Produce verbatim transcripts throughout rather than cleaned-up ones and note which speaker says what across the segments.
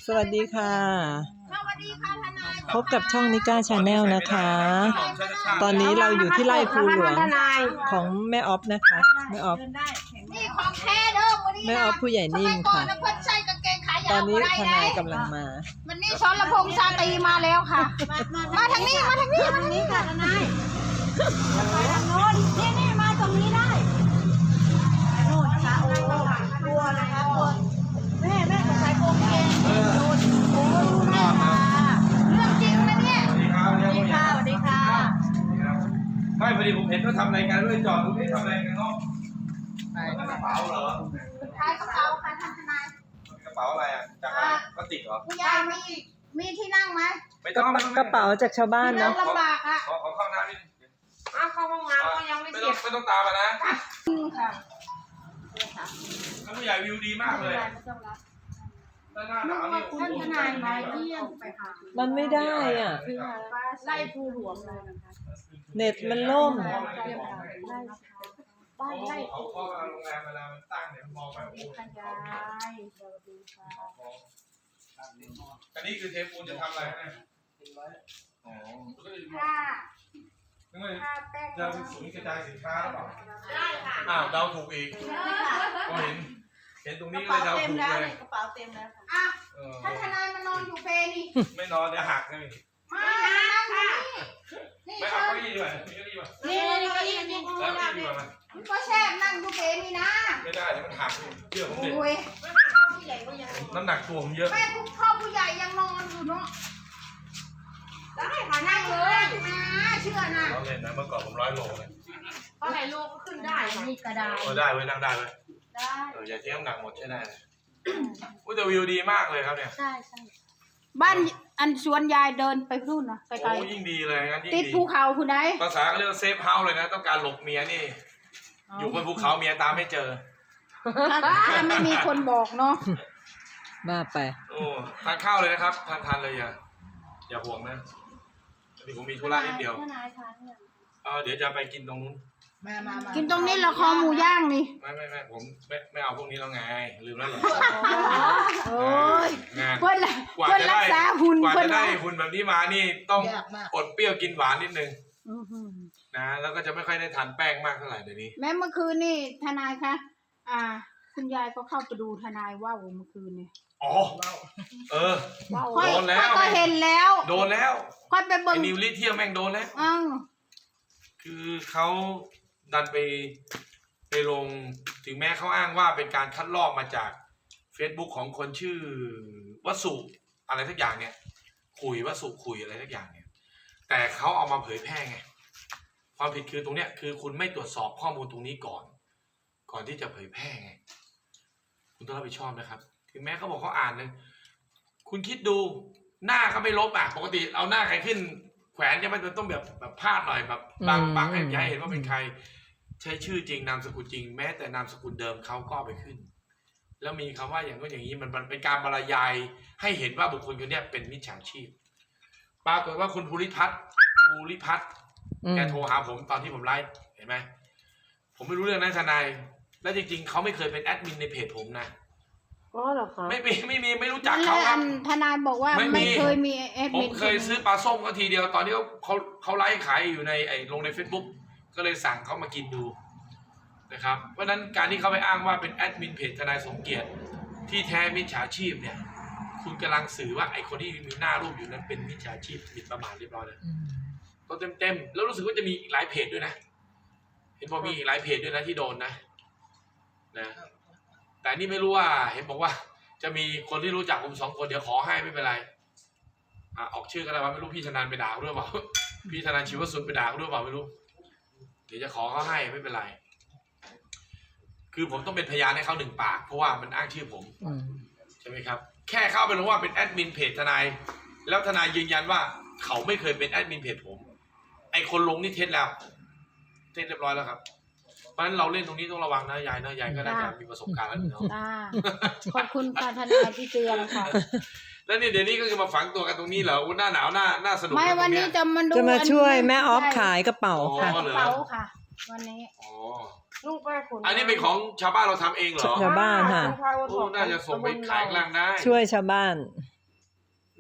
Speaker 1: สวัสดีค่ะ
Speaker 2: สวัสดีค่ะทนาย
Speaker 1: พบกับช่องนิก้าชาแนลนะคะ ตอนนี้เราอยู่ที่ไร่ภูหลวงของแม่ออฟนะคะแม่ออฟ
Speaker 2: นี่ของแท้เด้อวันนี้
Speaker 1: แม่ออฟผู้ใหญ่นิ่มค่ะ
Speaker 2: สมัยก่อนนะเพิ่นใส่กางเกงขายาว
Speaker 1: ตอนนี้
Speaker 2: บ่ได้
Speaker 1: ทนายกำลังมา
Speaker 2: วันนี้สรพงษ์ชาตรีมาแล้วค่ะ มาทางนี้มาทางนี้มาทางนี้ค่ะทนายไปทางโน้นนี่นี่มาตรงนี้ได้โน่นค่ะโอ้กลัวนะคะกลัวแม่แม่ใส่กางเกงโน่นโอ้แม่ค่ะเรื่องจริงนะเนี่ย
Speaker 3: สวัสดีครับ
Speaker 2: สวัสดีค่ะสวัสดีค่ะ
Speaker 3: ไม่พอดีผมเห็นเขาทำรายการด้วยจอดตรงนี้ทำอะไรกันเนาะกระเป๋าเหรอ
Speaker 2: ขายกระเป๋าค่ะท่านทนาย
Speaker 3: กระเป๋าอะไรอ่ะจากอะไรพลาสติกเหรอ
Speaker 2: ผู้ใหญ่มีมีที่นั่งไหม
Speaker 3: ไม่
Speaker 1: ก
Speaker 3: ต้
Speaker 1: ระ
Speaker 3: อง
Speaker 1: เป๋ากระเป๋าจากชาวบ้าน
Speaker 2: นั่
Speaker 1: เนาะ
Speaker 2: งลำบากอ่ะ
Speaker 3: ขอขอเข้าน้ำนิด
Speaker 2: อ้าวเข้าห้องน้ำก็ยังไม่
Speaker 3: ไม่
Speaker 2: เส
Speaker 3: ต้
Speaker 2: ร็
Speaker 3: อง
Speaker 2: จ
Speaker 3: ไม่ต้องตามมานะ
Speaker 2: ค่ะ
Speaker 3: ท่านผู้ใหญ่วิวดีมากเลยด้านหน้าหนาวนี่
Speaker 2: ท่านทนายมาเยี่ยมไปค่ะ
Speaker 1: มันไม่ได้อ่ะ
Speaker 2: ไล่ภูหลวงเลยนะคะ
Speaker 1: เน็ตมันล่ม
Speaker 2: บ้านไล่
Speaker 3: เขาก็โรงแรมเวลามันตั้งเนี่ยมองไปโอ้โห
Speaker 2: ขยายสวัสดีค่ะ
Speaker 3: อันนี้คือเทปูนจะทำอะไรนะอ๋อ
Speaker 2: ค่ะ
Speaker 3: นึกว่า
Speaker 2: ค่ะแป้ง
Speaker 3: จะเป็นศูนย์กระจายสินค้าหรือเปล่า
Speaker 2: ได้ค่ะ
Speaker 3: อ้าวเดาถูกอีกก็เห็นเห็นตรงนี้ก็เลยเดาถูกเลย
Speaker 2: กระเป๋าเต็มแล้วค่ะอ่ะ
Speaker 3: เออ
Speaker 2: ท่านทนายมานอนอยู่เปนี่
Speaker 3: ไม่นอนเดี๋ยวหักเลย
Speaker 2: มานั่งค่ะนี่
Speaker 3: ไม่
Speaker 2: เชิ
Speaker 3: เอา
Speaker 2: ญ
Speaker 3: เก้าอี้ดีกว่ามีเก้าอี้ป่ะ
Speaker 2: นี่นี่ก็ยืนนี่
Speaker 3: แล้วเก้าอี้ดีกว่ามัน
Speaker 2: มันก็แช่นั่งอยู่เปนี่นะ
Speaker 3: ไม่ได้เดี๋ยวมันหักเชื่อผมดิ
Speaker 2: โอ้ย
Speaker 3: น้ำหนักตัวผมเยอะ
Speaker 2: แม่ผู้พ่อผู้ใหญ่ยังนอนอยู่เนาะได้ค่ะนั่งเลยนะเชื่อนะ
Speaker 3: เราเล่นนะเมื่อก่อนผมร้อยโลเลย
Speaker 2: เพราะไหนโลก็ขึ้นได้นี่ก็ได้
Speaker 3: เออได้เว้ยนั่งได้เว้ย
Speaker 2: ได้
Speaker 3: เอออย่าทิ้งน้ำหนักหมดใช่ได้เลยอุ้ยแต่วิวดีมากเลยครับเนี่ย
Speaker 2: ใช่ใช่บ้านอันสวนยายเดินไปนู่นนะไกล
Speaker 3: โอ้ยิ่งดีเลยงั้นยิ่ง
Speaker 2: ๆติด
Speaker 3: ดี
Speaker 2: ภูเขาคุณได้
Speaker 3: ภาษาเขาเรียกว่าเซฟเฮาส์เลยนะต้องการหลบเมียนี่ อยู่บนภูเขาเมียตามไม่เจอ
Speaker 2: ถ้าไม่มีคนบอกเนาะ
Speaker 1: บ้าไป
Speaker 3: โอ้ทานข้าวเลยนะครับทานทานเลยอย่าอย่าห่วงนะเดี๋ยวผมมีธุระนิดเดียวเออเดี๋ยวจะไปกินตรงนู้น
Speaker 2: กินตรงนี้ละคอหมูย่างนี่
Speaker 3: ไม่ไม่ไม่ผมไม่ไม่เอาพวกนี้แล้วไงลืมแล้วเหรอ
Speaker 2: โอ้ย
Speaker 3: งาน
Speaker 2: เพื่อนละ
Speaker 3: กว่า
Speaker 2: เพื่อน
Speaker 3: จะ
Speaker 2: รั
Speaker 3: ได้
Speaker 2: กษาหุ่น
Speaker 3: กว่า
Speaker 2: เพื่อน
Speaker 3: จะได้
Speaker 2: ว่า
Speaker 3: หุ่นแบบนี้มานี่ต้องอดเปรี้ยวกินหวานนิดนึง
Speaker 2: อื้อหือ
Speaker 3: นะแล้วก็จะไม่ค่อยได้ทานแป้งมากเท่าไหร่เดี๋ยวนี้
Speaker 2: แม้เมื่อคืนนี่ทนายคะอ่า คุณยายก็เข้าไปดูทนายว่าวเมื่อคืนนี่
Speaker 3: อ๋อเออ
Speaker 2: ค่อย
Speaker 3: โดนแล้ว
Speaker 2: ค่อยก็เห็นแล้ว
Speaker 3: โดนแล้ว
Speaker 2: ค่อยไป
Speaker 3: ไอ้
Speaker 2: เบิ่ง
Speaker 3: นิวลิเทียมแม่งโดนแล้ว
Speaker 2: อ้าว
Speaker 3: คือเขาดันไปไปลงถึงแม้เขาอ้างว่าเป็นการคัดลอกมาจาก Facebook ของคนชื่อวสุอะไรทักอย่างเนี่ยคุยวสุคุยอะไรทักอย่างเนี่ยแต่เขาเอามาเผยแพร่ไงความผิดคือตรงเนี้ยคือคุณไม่ตรวจสอบข้อมูลตรงนี้ก่อน ก่อนที่จะเผยแพร่ไงคุณต้องรับผิดชอบนะครับถึงแม้เขาบอกเขาอ่านเลยคุณคิดดูหน้าเขาไม่ลบอ่ะปกติเอาหน้าใครขึ้นแขวนเนี่ยมันจะต้องแบบแบบพาดหน่อยแบบบางบางให้ย้ายเห็นว่าเป็นใครใช้ชื่อจริงนามสกุลจริงแม้แต่นามสกุลเดิมเขาก็ไปขึ้น แล้วมีคำว่าอย่างนู้นอย่างนี้มันมันเป็นการบรรยายให้เห็นว่าบุคคลคนนี้เป็นมิจฉาชีพปรากฏว่าคุณภูริพัฒน์ภูริพัฒน์แกโทรหาผมตอนที่ผมไลฟ์เห็นไหมผมไม่รู้เรื่องนะทนายและจริงๆเขาไม่เคยเป็นแอดมินในเพจผมนะ
Speaker 1: อ๋อเหรอคะ
Speaker 3: ไม่มีไม่มีไม่รู้จัก
Speaker 2: นั่นแห
Speaker 3: เขา
Speaker 2: ละ
Speaker 3: ค
Speaker 2: อั
Speaker 3: รับ
Speaker 2: นทนายบอกว่า
Speaker 3: ไม่มี
Speaker 2: ไม่เคยมีแอด
Speaker 3: ผม
Speaker 2: มิน
Speaker 3: เคยซื้อปลาส้มก็ทีเดียวตอนนี้เขาเขาเขาไลฟ์ขายอยู่ในไอ้ลงใน Facebook ก็เลยสั่งเขามากินดูนะครับเพราะฉะนั้นการที่เขาไปอ้างว่าเป็นแอดมินเพจทนายสมเกียรติที่แท้มิจฉาชีพเนี่ยคุณกำลังสื่อว่าไอ้คนที่มีหน้ารูปอยู่นั้นเป็นมิจฉาชีพหมิ่นประมาทเรียบร้อยเลยตัวเต็มๆแล้วรู้สึกว่าจะมีอีกหลายเพจด้วยนะเห็นบอกมีอีกหลายเพจด้วยนะที่โดนนะนะแต่นี่ไม่รู้ว่าเห็นบอกว่าจะมีคนที่รู้จักผมสองคนเดี๋ยวขอให้ไม่เป็นไรอ่ะออกชื่อกันแล้วว่าไม่รู้พี่ธนานไปด่าเขาด้วยเปล่า พี่ธนานชีวสุนไปด่าเขาด้วยเปล่าไม่รู้เดี๋ยวจะขอเขาให้ไม่เป็นไรคือผมต้องเป็นพยานให้เขาหนึ่งปากเพราะว่ามันอ้างชื่อผมใช่ไหมครับแค่เข้าไปลงว่าเป็นแอดมินเพจทนายแล้วทนายยืนยันว่าเขาไม่เคยเป็นแอดมินเพจผมไอคนลงนี่เท็จแล้วเท็จเรียบร้อยแล้วครับเพราะฉะนั้นเราเล่นตรงนี้ต้องระวังนะยายนะยายก็น่าจะมีประสบการณ์แล้วเนาะ
Speaker 2: อ่าขอบคุณค่ะทนายที่เตือนค่ะ
Speaker 3: แล้วนี่เดี๋ยวนี้ก็คือมาฝังตัวกันตรงนี้เหรอหน้าหนาวหน้าหน้าสนุก
Speaker 2: ไม่วันนี้จะมาดู
Speaker 1: จะมาช่วยแม่ออฟ
Speaker 2: ใช่
Speaker 1: ขายกระเป๋าค่ะ
Speaker 2: กระเป๋าค่ะ วันนี้
Speaker 3: อ๋อ
Speaker 2: ลูกแม่ขน
Speaker 3: อันนี้เป็นของชาวบ้านเราทำเองเหรอ
Speaker 1: ชาวบ้านค่ะ
Speaker 3: โอ้น่าจะส่งไปขายข้างล่างได้
Speaker 1: ช่วยชาวบ้าน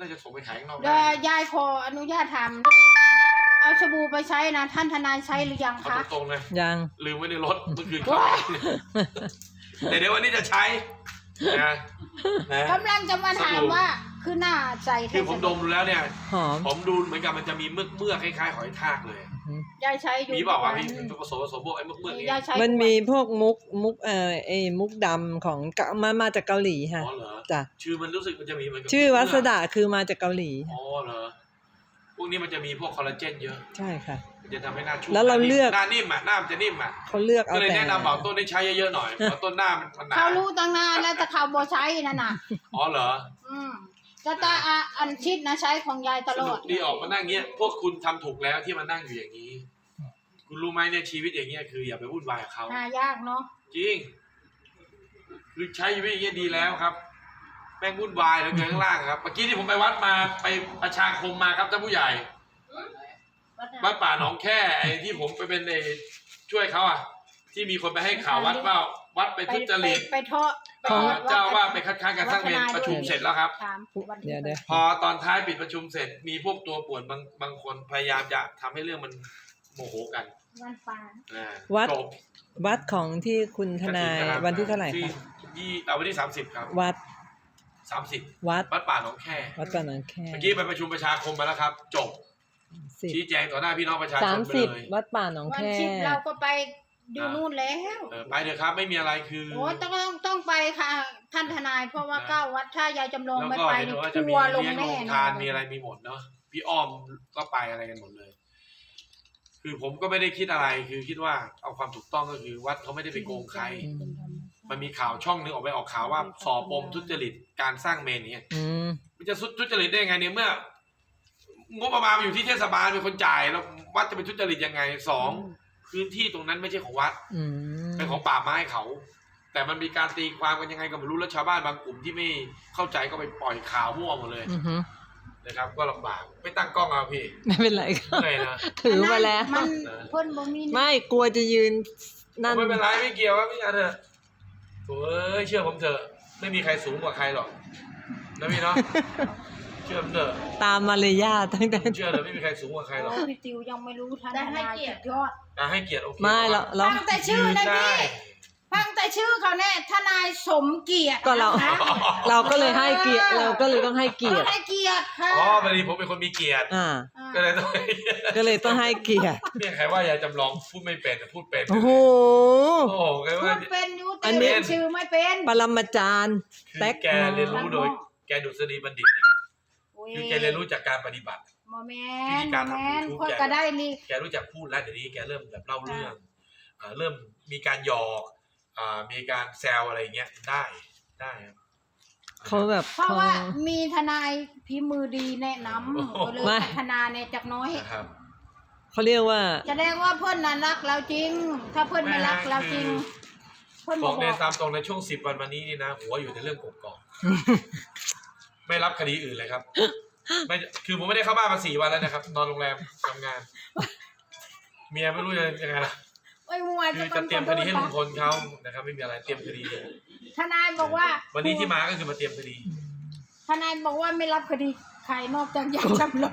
Speaker 3: น่าจะส่งไปขายข้างนอก
Speaker 2: เดี๋ยว
Speaker 3: ได้
Speaker 2: ยายขออนุญาตถามเอาสบู่ไปใช้นะท่านทนายใช้หรือยัง
Speaker 3: เขา
Speaker 2: คะ
Speaker 3: ตรงๆเลย
Speaker 1: ยัง
Speaker 3: ลืมไว้ในรถเมื่อคืนเขาแต่เดี๋ยววันนี้จะใช้นะนะ
Speaker 2: กำลังจะมาถามว่าคือหน้าใจ
Speaker 3: คือผมดมดูแล้วเนี่ย
Speaker 1: หอม
Speaker 3: ผมดูเหมือนกับมันจะมีเมือกเมือกคล้ายๆหอยทากเลย
Speaker 2: ยายใช้อยู่
Speaker 3: มีบอกว่าวะพี่ผสมผสมพวกไอ้เมือกเมือกนี้
Speaker 2: ยายใช้
Speaker 1: มันมีพวกมุกมุกเอ่อไอ้มุกดำของเกามามาจากเกาหลีค่ะ
Speaker 3: อ๋อเหรอ
Speaker 1: จ้ะ
Speaker 3: ชื่อมันรู้สึกมันจะมีเหมือนกับ
Speaker 1: ชื่อวัสดาคือมาจากเกาหลี
Speaker 3: อ๋อเหรอพวกนี้มันจะมีพวกคอลลาเจนเยอะ
Speaker 1: ใช่ค่ะ
Speaker 3: มันจะทำให้หน้าชุ่ม
Speaker 1: แล้วเราเลือก
Speaker 3: หน้านิ่มอ่ะหน้ามันจะนิ่มอ่ะ
Speaker 1: เขาเลือกเอา
Speaker 3: ก็เลย
Speaker 1: แต่
Speaker 3: แนะนำบอกต้นได้ใช้เยอะๆหน่อยเพราะต้นหน้ามันมันหนา
Speaker 2: เขารู้ตั้งนานแล้วแต่เขาบ่ใช้นั่นน่ะ
Speaker 3: อ๋อเหรอ
Speaker 2: อืมแต่ตาอ่ะอันชิดนะใช้ของยายต
Speaker 3: ส
Speaker 2: ลอ
Speaker 3: นุ
Speaker 2: ด
Speaker 3: กดีออกมานั่งเงี้ย พวกคุณทำถูกแล้วที่มานั่งอยู่อย่างนี้ คุณรู้ไหมเนี่ยชีวิตอย่างเงี้ยคืออย่าไปวุ่นวายกับเขา
Speaker 2: หายากเนาะ
Speaker 3: จริง คือใช้ชีวิตอย่างเงี้ยดีแล้วครับ แม่งวุ่นวายเหลือเกินข้างล่างครับ เมื่อกี้ที่ผมไปวัดมาไปประชาคมมาครับท่านผู้ใหญ่ วัดป่าหนองแค่ไอ้ที่ผมไปเป็นไอ้ช่วยเขาอ่ะ ที่มีคนไปให้ข่าววัดว่าวัดไป
Speaker 2: ไป
Speaker 3: ทุจริต
Speaker 2: ไปเทาะ
Speaker 3: เอ่อเจ้าว่าไปคัดค้านการสร้างเมนประชุมเสร็จแล้วครับ
Speaker 2: ถามวันที่
Speaker 1: เดี๋ยวเดี๋ยว
Speaker 3: พอตอนท้ายปิดประชุมเสร็จ มีพวกตัวป่วนบางบางคนพยายามจะทำให้เรื่องมันโมโหกัน
Speaker 2: วันปาน
Speaker 3: อ่า
Speaker 1: วัด
Speaker 3: จบ
Speaker 1: วัดของที่คุณทนาย
Speaker 3: กฐินะครับ
Speaker 1: วันที่เท่าไหร่
Speaker 3: ที่
Speaker 1: คะ
Speaker 3: ยี่เอาวันที่สามสิบครับ
Speaker 1: วัด
Speaker 3: สามสิบ
Speaker 1: วัด
Speaker 3: วัดป่าหนองแค่
Speaker 1: วัดป่าหนองแค่
Speaker 3: เมื่อกี้ไปประชุมประชาคมมาแล้วครับ จบ
Speaker 1: สิบ
Speaker 3: ชี้แจงต่อหน้าพี่น้องประชาช
Speaker 1: สาม
Speaker 3: นไป
Speaker 1: สิบ
Speaker 3: เลย
Speaker 1: วัดป่าหนอง
Speaker 2: วัน
Speaker 1: แค่
Speaker 2: ชิดเราก็ไปดูนู่นแล้ว
Speaker 3: เออไปเถอะครับไม่มีอะไรคือ
Speaker 2: โอ้ต้องต้องต้องไปค่ะ ท่านทนาย เพราะว่า
Speaker 3: นะ
Speaker 2: เก้าวัดถ้ายายจำลอง
Speaker 3: แล้ว
Speaker 2: ไม่
Speaker 3: ก็
Speaker 2: ไป
Speaker 3: เห็น
Speaker 2: นี่
Speaker 3: ว่าจะ
Speaker 2: ทั
Speaker 3: มี
Speaker 2: วร์ลง
Speaker 3: เลี้ยง
Speaker 2: แน่
Speaker 3: โรง
Speaker 2: น
Speaker 3: ทา
Speaker 2: อน น
Speaker 3: มีอะไรมีหมดเนาะพี่อ้อมก็ไปอะไรกันหมดเลย คือผมก็ไม่ได้คิดอะไรคือคิดว่าเอาความถูกต้องก็คือวัดเขาไม่ได้ไปโกงใคร
Speaker 1: อืม
Speaker 3: มันมีข่าวช่องนึงออกไปออกข่าวว่าสอบปมทุจริตการสร้างเมนเนี่ย
Speaker 1: อืม
Speaker 3: มันจะทุจริตได้ยังไงเนี่ยเมื่องบประมาณมันอยู่ที่เทศบาลเป็นคนจ่ายแล้ววัดจะเป็นทุจริตยังไงสองพื้นที่ตรงนั้นไม่ใช่ของวัด
Speaker 1: อืม
Speaker 3: เป็นของป่าไม้เขา แต่มันมีการตีความกันยังไงก็ไม่รู้แล้วชาวบ้านบางกลุ่มที่ไม่เข้าใจก็ไปปล่อยข่าวมั่วหมดเลย
Speaker 1: อือฮึ
Speaker 3: นะครับ ก็ลำบากไม่ตั้งกล้องเอาพี่
Speaker 1: ไม่เป็นไรค่ะ
Speaker 3: เหนื่อยนะ
Speaker 1: ถือมาแล้ว
Speaker 2: มันเพิ่นบ่มี
Speaker 1: ไม่กลัวจะยืนนั่น
Speaker 3: ไม่เป็นไรไม่เกี่ยวครับพี่อาเถอะโถ่เอ้ยเชื่อผมเถอะไม่มีใครสูงกว่าใครหรอกนะพี่เนาะ เชื่อผมเถอะ
Speaker 1: ตามมารยาทตั้งแต่
Speaker 3: ผมเชื่อเลยไม่มีใครสูงกว่าใครหรอก
Speaker 2: โอ้พี่ติวยังไม่รู้ท่านทนายสุดยอด
Speaker 3: อ่ะให้เกียรติโอเค
Speaker 1: ไม่เราเรา
Speaker 2: ฟังแต่ชื่อนะ
Speaker 3: ได้
Speaker 2: พี่ฟังแต่ชื่อเขาแน่ทนายสมเกียรติ
Speaker 1: ก็เรา
Speaker 2: นะคะ
Speaker 1: เราก็เลยให้เกียรติเราก็เลยต้องให้เกียร
Speaker 2: ต้อ
Speaker 1: ติ
Speaker 2: งให้เกียรติค่ะ
Speaker 3: อ๋อพอดีผมเป็นคนมีเกียรติ
Speaker 1: อ่า
Speaker 3: ก็เลยต้องให้เกียรติ
Speaker 1: ก็เลยต้องให้เกียรติ
Speaker 3: เนี่ยใครว่ายายจำลองพูดไม่เป็นแต่พูดเป็น
Speaker 1: โอ้โห
Speaker 3: โอ้โหใคร
Speaker 2: พู
Speaker 3: ว่า
Speaker 2: ดเป็นอยู
Speaker 1: อั
Speaker 2: แต่
Speaker 1: นนี้
Speaker 2: เรียนชื่อไม่เป็น
Speaker 1: ปรมาจารย์
Speaker 3: คือ
Speaker 1: แท็ก
Speaker 3: แกเรียนรู้โดยแกดุษฎีบัณฑิตเนี่ย
Speaker 2: โอ้ย
Speaker 3: คือแกเรียนรู้จากการปฏิบัติ
Speaker 2: โมแม
Speaker 3: วิ
Speaker 2: น
Speaker 3: ธี
Speaker 2: โม
Speaker 3: การ
Speaker 2: แม
Speaker 3: ทำ
Speaker 2: น
Speaker 3: YouTube
Speaker 2: คนก็ได้ลี
Speaker 3: แกรู้จักพูดแล้วเดี๋ยวนี้แกเริ่มแบบเล่าเรื่องอ่าเริ่มมีการหยอกอ่ามีการแซวอะไรเงี้ยได้ได้ครับ
Speaker 1: เขาแบบ
Speaker 2: เพราะ
Speaker 1: เขา
Speaker 2: ว่ามีทนายพิมือดีแนะนำ
Speaker 3: โอ้โห
Speaker 2: ก็เลย
Speaker 1: ไม่
Speaker 2: พัฒนาในจากน้อย
Speaker 3: นะครับ
Speaker 1: เขาเรียกว่า
Speaker 2: แสดงว่าเพื่อนนั้นรักเราจริง ถ้าเพื่อนไม่รักเราจริง เพื่อน
Speaker 3: บบ อ
Speaker 2: อก ก
Speaker 3: ในตามตรงในช่วงสิบวันมานี้นี่นะหัวอยู่ในเรื่องกบกอกไม่รับคดีอื่นเลยครับไม่คือผมไม่ได้เข้าบ้านมาสี่วันแล้วนะครับ นอนโรงแรมทำงาน เมียไม่รู้จะยังไงล่ะ
Speaker 2: ไอ้มัว
Speaker 3: คื
Speaker 2: จะ
Speaker 3: อจะเตรียมคดีให้ลุงพลเขานะครับ ไม่มีอะไรเตรียมคดี
Speaker 2: ทนายบอกว่า
Speaker 3: วันนี้ที่มาก็คือมาเตรียมคดี
Speaker 2: ทนายบอกว่าไม่รับคดีใครนอกจากยายจำลอง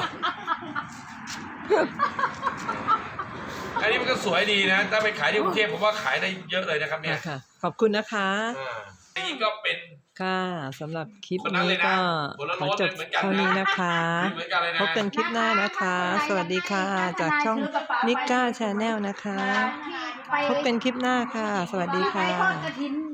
Speaker 3: อันนี้มันก็สวยดีนะ ถ้าไปขายที่กรุงเทพผมว่าขายได้เยอะเลยนะครับเนี่ย
Speaker 1: ค่ะ ขอบคุณนะคะ
Speaker 3: อ่าอันนี้ก็เป็น
Speaker 1: ค่ะสำหรับคลิป
Speaker 3: คนนั้น
Speaker 1: นี้
Speaker 3: เลยนะ
Speaker 1: ก็
Speaker 3: คนละ
Speaker 1: ขอ
Speaker 3: รถ
Speaker 1: จบ
Speaker 3: เหมือนกันนะ
Speaker 1: เท่านี้นะคะ
Speaker 3: เหมือนกันเลยนะ
Speaker 1: พบกันคลิปหน้านะคะ สวัสดีค่ะ จากช่องนิก้าชาแนลนะคะ
Speaker 2: ไป
Speaker 1: พบกันคลิปหน้าค่ะ สวัสดีค่ะ
Speaker 2: ไปทอดกระถิน